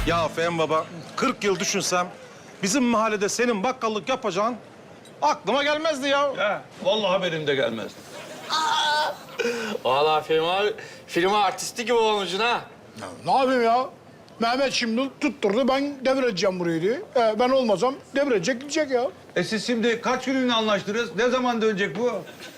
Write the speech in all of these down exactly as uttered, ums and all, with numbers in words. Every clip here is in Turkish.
Ya Fehmi Baba, kırk yıl düşünsem bizim mahallede senin bakkallık yapacağın aklıma gelmezdi ya. Ha, vallahi benim de gelmez. Vallahi Fehmi abi, film artisti gibi olmuşsun ha. Ya, ne yapayım ya? Mehmet şimdi tutturdu, ben devredeceğim burayı diye. Ee, ben olmasam devredecek gidecek ya. E siz şimdi kaç günlüğüne anlaştınız? Ne zaman dönecek bu?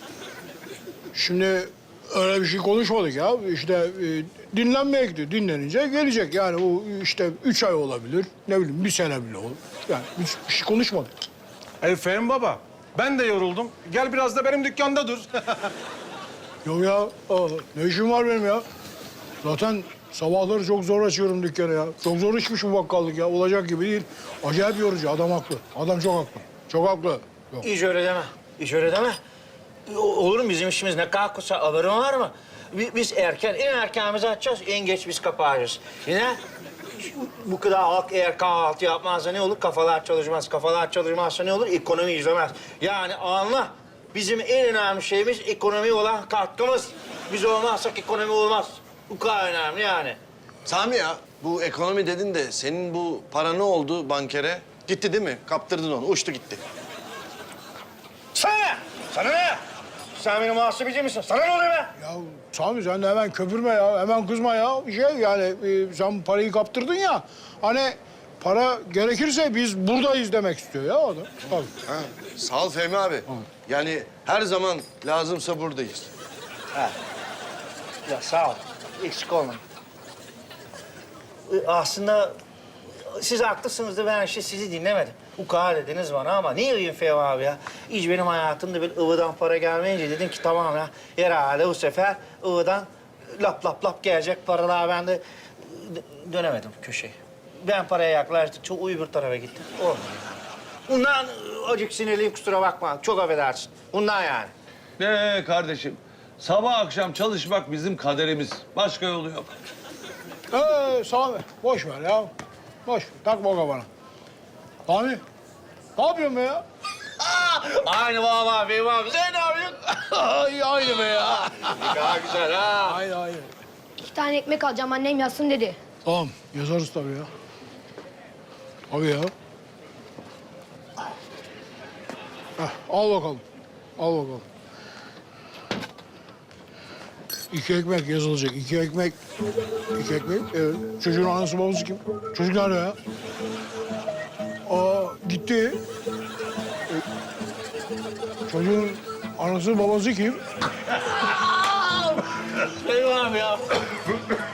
Şimdi öyle bir şey konuşmadık ya. İşte e, dinlenmeye gidiyor. Dinlenince gelecek. Yani bu işte üç ay olabilir. Ne bileyim bir sene bile olur. Yani hiç bir şey konuşmadık. Ey Fehmi Baba, ben de yoruldum. Gel biraz da benim dükkanda dur. Yok ya, aa, ne işim var benim ya? Zaten sabahları çok zor açıyorum dükkanı ya. Çok zor işmiş bu bakkallık ya. Olacak gibi değil. Acayip yorucu. Adam haklı. Adam çok haklı. Çok haklı. Yok. Hiç öyle deme, hiç öyle deme. O- Olur mu bizim işimiz ne kadar kısa, haberin var mı? Bi- Biz erken, en erken biz açacağız, en geç biz kapatacağız. Yine bu kadar halk eğer kahvaltı yapmazsa ne olur? Kafalar çalışmaz. Kafalar çalışmazsa ne olur? Ekonomi izlemez. Yani anla, bizim en önemli şeyimiz ekonomi olan katkımız. Biz olmazsak ekonomi olmaz. Bu kadar önemli yani. Sami ya, bu ekonomi dedin de senin bu para ne oldu bankere? Gitti değil mi? Kaptırdın onu, uçtu gitti. Sana ne? Sana ne? Sen benim muhasebeci misin? Sana ne oluyor be? Ya Sami sen de hemen köpürme ya. Hemen kızma ya. Şey yani e, sen parayı kaptırdın ya. Hani para gerekirse biz buradayız demek istiyor ya adam. Tabii. Ha, sağ ol Fehmi abi. Yani her zaman lazımsa buradayız. Ya sağ ol. Eksik olmayın. Ee, Aslında siz haklısınız da ben işte sizi dinlemedim. Ukala dediniz bana ama ne yapayım Fehmi abi ya? Hiç benim hayatımda böyle ıvıdan para gelmeyince dedim ki tamam ya. Herhalde bu sefer ıvıdan lap lap lap gelecek paralar. Ben de dö- dönemedim köşeye. Ben paraya yaklaştıkça o öbür tarafa gittim. Olmadı. Bundan acık sinirliyim kusura bakma. Çok affedersin. Bundan yani. Ne kardeşim? Sabah akşam çalışmak bizim kaderimiz. Başka yolu yok. Ee, Sami boş ver ya. Boş ver. Takma kafana. Sami ne yapıyorsun be ya? Aynı vallahi Fehmi abi. Sen ne yapıyorsun? Ay aynı be ya. Daha güzel ha. Aynı aynı. İki tane ekmek alacağım annem yazsın dedi. Tamam yazarız tabii ya. Tabii ya. Heh, al bakalım. Al bakalım. İki ekmek yazılacak. İki ekmek. İki ekmek. Evet. Çocuğun anası babası kim? Çocuk nerede ya? Aa gitti. E, çocuğun anası babası kim? Fehmi abi ya.